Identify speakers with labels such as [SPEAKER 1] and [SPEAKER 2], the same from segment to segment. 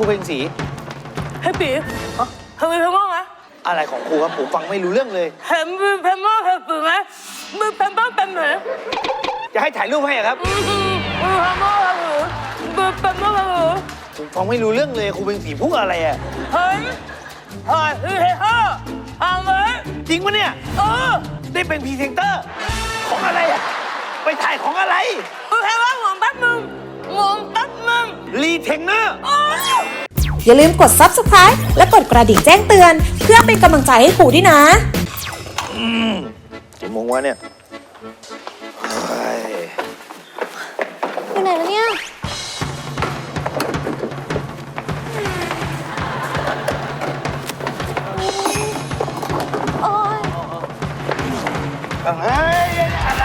[SPEAKER 1] เพลงสี
[SPEAKER 2] ให้ปีทำไมเพลงไหม
[SPEAKER 1] อะไรของครูครับผมฟังไม่รู้เรื่องเลย
[SPEAKER 2] เห็นเพลงเพลงปีไหมมือเพลงเป็นเหมือน
[SPEAKER 1] จะให้ถ่ายรูปให้ครับ
[SPEAKER 2] มือเพลงมือเป็น
[SPEAKER 1] ผมฟังไม่รู้เรื่องเลยครูเพลงสีพูดอะไรอ่ะ
[SPEAKER 2] เฮ้ยเอาไหม
[SPEAKER 1] จริงปะเนี่ยได้เป็นพรีเซนเตอร์ของอะไรอ่ะไปถ่ายของอะไร
[SPEAKER 2] มือเพลงว่าหวงแป๊บมึง
[SPEAKER 1] รีเทนเนอร์
[SPEAKER 3] อย่าลืมกด Subscribe และกดกระดิ่งแจ้งเตือนเพื่อเป็นกำลังใจให้ครูด้วยนะ
[SPEAKER 1] กี่โมงวะเนี่ย
[SPEAKER 3] อยู่ไหนแล้วเนี่ยโอ๊ย
[SPEAKER 1] อะไร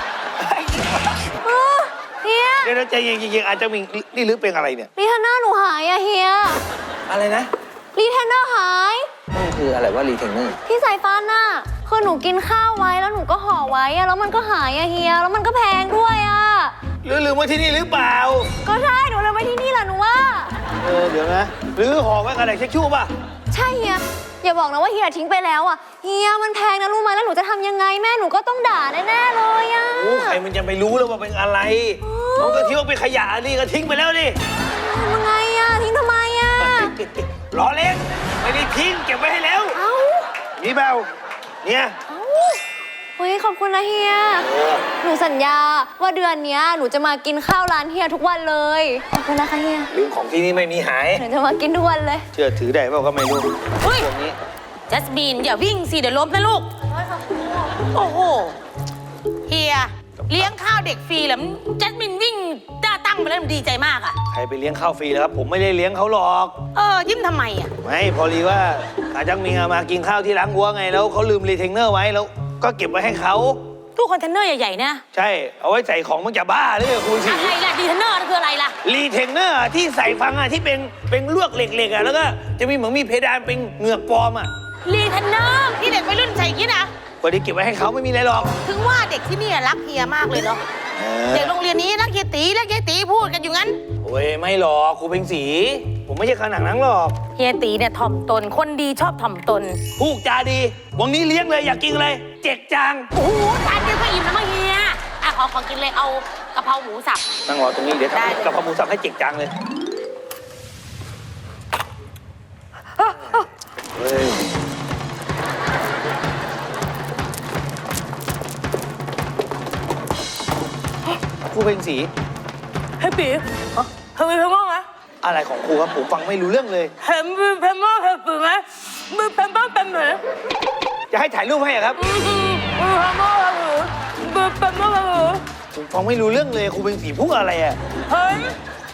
[SPEAKER 3] เฮีย
[SPEAKER 1] เดี๋ยวใจเย็นๆอาจจะมีนี่หรือเป็นอะไรเนี่ย
[SPEAKER 3] รีเทนเนอร์หนูหายอะเฮีย
[SPEAKER 1] อะไรนะ
[SPEAKER 3] รีเทนเนอร์หาย
[SPEAKER 1] มันคืออะไรว่ารีเทนเนอร์
[SPEAKER 3] ที่ใส่ฟันน่ะคือหนูกินข้าวไว้แล้วหนูก็ห่อไว้อะแล้วมันก็หายอะเฮียแล้วมันก็แพงด้วยอะ
[SPEAKER 1] ลืมไว้ที่นี่หรือเปล่า
[SPEAKER 3] ก็ใช่หนูลืมไว้ที่นี่แหละหนูว่า
[SPEAKER 1] เดี๋ยวนะหรือห่อไว้กระดาษเช็คชู่ป่ะ
[SPEAKER 3] ใช่เฮียอย่าบอกนะว่าเฮียทิ้งไปแล้วอะเฮียมันแพงนะรู้ไหมแล้วหนูจะทำยังไงแม่หนูก็ต้องด่าแน่ๆเลยอะ
[SPEAKER 1] โอ้ใครมันจะไปรู้แล้วว่าเป็นอะไรน้องก็ทิ้งเป็นขยะนี่ก็ทิ้งไปแล้วดิ
[SPEAKER 3] ทำยังไงอะทิ้งทำไมอะ
[SPEAKER 1] ล้อเล่นไม่ได้ทิ้งเก็บไว้ให้แล้ว
[SPEAKER 3] เอ้า
[SPEAKER 1] นี่เบลเนี่ย
[SPEAKER 3] เฮ้ยขอบคุณนะเฮียหนูสัญญาว่าเดือนนี้หนูจะมากินข้าวร้านเฮียทุกวันเลยขอบคุณนะคะเฮีย
[SPEAKER 1] ลืมของที่นี่ไม่มีหาย
[SPEAKER 3] หนูจะมากินทุกวันเลย
[SPEAKER 1] เชื่อถือได้เปล่าก็ไม่รู้
[SPEAKER 2] เฮ้ย
[SPEAKER 1] นี้
[SPEAKER 2] จัสมินอย่าวิ่งสิเดี๋ยวล้มนะลูกโอ้โหเฮียเลี้ยงข้าวเด็กฟรีแล้วจัสมินวิ่งตั้งไปแล้วดีใจมากอ่ะ
[SPEAKER 1] ใครไปเลี้ยงข้าวฟรีแล้วครับผมไม่ได้เลี้ยงเขาหรอก
[SPEAKER 2] ยิ้มทำไมอ่ะ
[SPEAKER 1] ไม่พอดีว่าอาจังมิงมากินข้าวที่ร้านวัวไงแล้วเขาลืมรีเทนเนอร์ไว้แล้วก็เก็บไว้ให้เขา
[SPEAKER 2] ตู้คอนเทนเนอร์ใหญ่ๆนะ
[SPEAKER 1] ใช่เอาไว้ใส่ของมันจะบ้าหรือคุณสิ
[SPEAKER 2] อะไรล่ะรีเทนเนอร์คืออะไรล่ะ
[SPEAKER 1] รีเทนเนอร์ที่ใส่ฟังอ่ะที่เป็นลวกเหล็กๆอ่ะแล้วก็จะมีเหมือนมีเพดานเป็นเหงือกปลอมอ่ะ
[SPEAKER 2] รีเทนเนอร์ที่เด็กวัยรุ่นใส่ยี่นะ
[SPEAKER 1] ก็ได้เก็บไว้ให้เขาไม่มีอะไรหรอก
[SPEAKER 2] ถึงว่าเด็กที่นี่รักเฮียมากเลยเนาะเด็กโรงเรียนนี้รักเฮียตีพูดกันอยู่งั้น
[SPEAKER 1] โอ้ยไม่หรอกครูเพ็งศรีผมไม่ใช่ขนาดนั้นหรอก
[SPEAKER 2] เฮียตีเนี่ยถ่อมตนคนดีชอบถ่อมตน
[SPEAKER 1] พูดจาดีวันนี้เลี้ยงเลยอยากกินอะไรเจ๊กจาง
[SPEAKER 2] โอ้โหจานเดียวก็อิ่มแล้วมั้งเฮียขอกินเลยเอากะเพราหมูสับ
[SPEAKER 1] นั่งรอตรงนี้เดี๋ยวทำกะเพราหมูสับให้เจ๊กจางเลยเฮ้ยครูเพ็งศรี
[SPEAKER 2] ให้ปีทำไมเพลงไหม
[SPEAKER 1] อะไรของครูครับผมฟังไม่รู้เรื่องเลย
[SPEAKER 2] เห็นเพลงปีไหมมือเพลงเป็นเหมือน
[SPEAKER 1] จะให้ถ่ายรูปให้ครับ
[SPEAKER 2] มือเป็น
[SPEAKER 1] ผมฟังไม่รู้เรื่องเลยครูเพ็งศรีพูดอะไรอ่ะ
[SPEAKER 2] เฮ้ย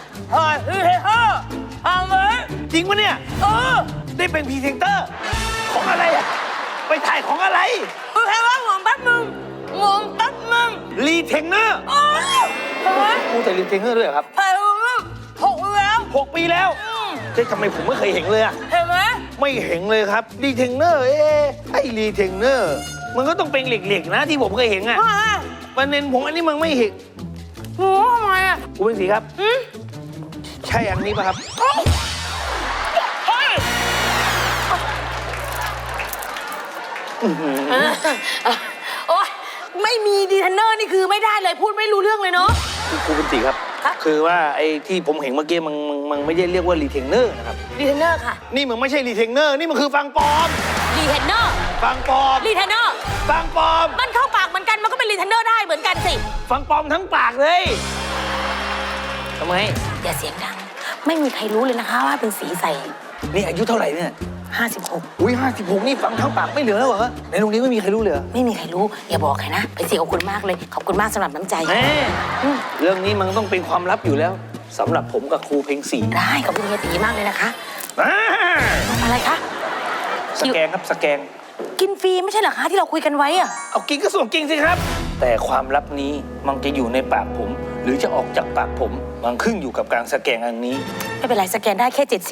[SPEAKER 2] เอาไหม
[SPEAKER 1] จริงปะเนี่ยได้เป็นพรีเซนเตอร์ของอะไรอ่ะไปถ่ายของอะไร
[SPEAKER 2] มือเพลงว่าหวงแป๊บมึง
[SPEAKER 1] รีเทนเนอร์ครูแต่รีเทนเนอร์ด้วยครับ
[SPEAKER 2] ถ่ายรูป
[SPEAKER 1] 6 ปีแล้วทำไมผมไม่เคยเห็นเลยอ่ะ
[SPEAKER 2] เห็นไหม
[SPEAKER 1] ไม่เห็นเลยครับรีเทนเนอร์ไอ้รีเทนเนอร์มันก็ต้องเป็นเหล็กๆนะที่ผมเคยเห็นอ่ะประเด็นผมอันนี้มันไม่เห็น
[SPEAKER 2] โอ้ทำไมอ่ะ
[SPEAKER 1] ครูเพ็งศรีครับใช่อันนี้ป่ะครับ
[SPEAKER 2] โอ๊ยไม่มีดีเทนเนอร์นี่คือไม่ได้เลยพูดไม่รู้เรื่องเลยเนาะ
[SPEAKER 1] ครูเพ็งศรีครับคือว่าไอ้ที่ผมเห็นเมื่อกี้มันไม่ได้เรียกว่ารีเทนเนอร์นะครับ
[SPEAKER 2] รีเทนเนอร์ค่ะ
[SPEAKER 1] นี่มันไม่ใช่รีเทนเนอร์นี่มันคือฟังปลอม
[SPEAKER 2] รีเทนเนอร์
[SPEAKER 1] ฟังปลอม
[SPEAKER 2] รีเทนเนอร์
[SPEAKER 1] ฟังปลอม
[SPEAKER 2] มันเข้าปากเหมือนกันมันก็เป็นรีเทนเนอร์ได้เหมือนกันสิ
[SPEAKER 1] ฟังปลอมทั้งปากเลยทำไม
[SPEAKER 2] อย่าเสียงดังไม่มีใครรู้เลยนะคะว่าเป็นสีใส
[SPEAKER 1] นี่อายุเท่าไหร่เนี่ย
[SPEAKER 2] 56
[SPEAKER 1] อุ้ย56นี่ฟังทั้งปากไม่เหลือแล้วเหรอในโรงเรียนไม่มีใครรู้เลย
[SPEAKER 2] ไม่มีใครรู้อย่าบอกใครนะไปสิขอบคุณมากเลยขอบคุณมากสำหรับน้ำใจ
[SPEAKER 1] เรื่องนี้มันต้องเป็นความลับอยู่แล้วสำหรับผมกับครูเพ็งศรี
[SPEAKER 2] ได้ขอบคุณเฮียตีมากเลยนะคะอะไรคะ
[SPEAKER 1] สแกนครับสแกน
[SPEAKER 2] กินฟรีไม่ใช่เหรอคะที่เราคุยกันไว้อะ
[SPEAKER 1] เอากินก็ส่วนกินสิครับแต่ความลับนี้มันจะอยู่ในปากผมหรือจะออกจากปากผมมันขึ้นอยู่กับการสแกนอันนี้
[SPEAKER 2] ไม่เป็นไรสแกนได้แค่70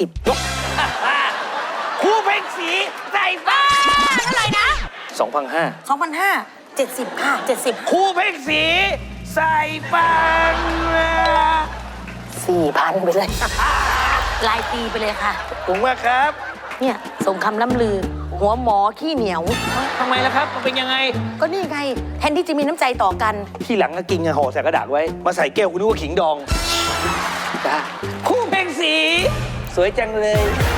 [SPEAKER 1] ครูเพ็งศรีใส่ฟ้า
[SPEAKER 2] เท่าไหร่นะ
[SPEAKER 1] 2,500
[SPEAKER 2] 70ค่ะ70
[SPEAKER 1] ครูเพ็งศรีใส่ฟัน
[SPEAKER 2] 4,000ไปเลยรายปีไปเลยค่ะ
[SPEAKER 1] ขอบคุณมากครับ
[SPEAKER 2] เนี่ยส่งคำล่ำลือ หัวหมอขี้เหนียว
[SPEAKER 1] ทำไมล่ะครับ มันเป็นยังไง
[SPEAKER 2] ก็นี่ไง แทนที่จะมีน้ำใจต่อกัน
[SPEAKER 1] ที่หลังก็กินห่อใส่กระดาษไว้ มาใส่แก้วคุณนึกว่าขิงดองจ้าคู่เพ่งสี สวยจังเลย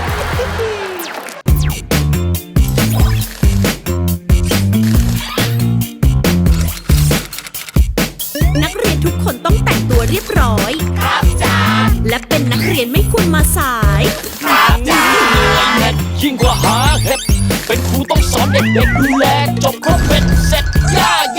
[SPEAKER 4] นักเรียนทุกคนต้องแต่งตัวเรียบร้อย ครับจ้าและเป็นนักเรียนไม่ควรมาสาย
[SPEAKER 5] ยิ่งกว่าหาเห็ดเป็นครูต้องสอนเด็กๆดูแลจบครบเป็น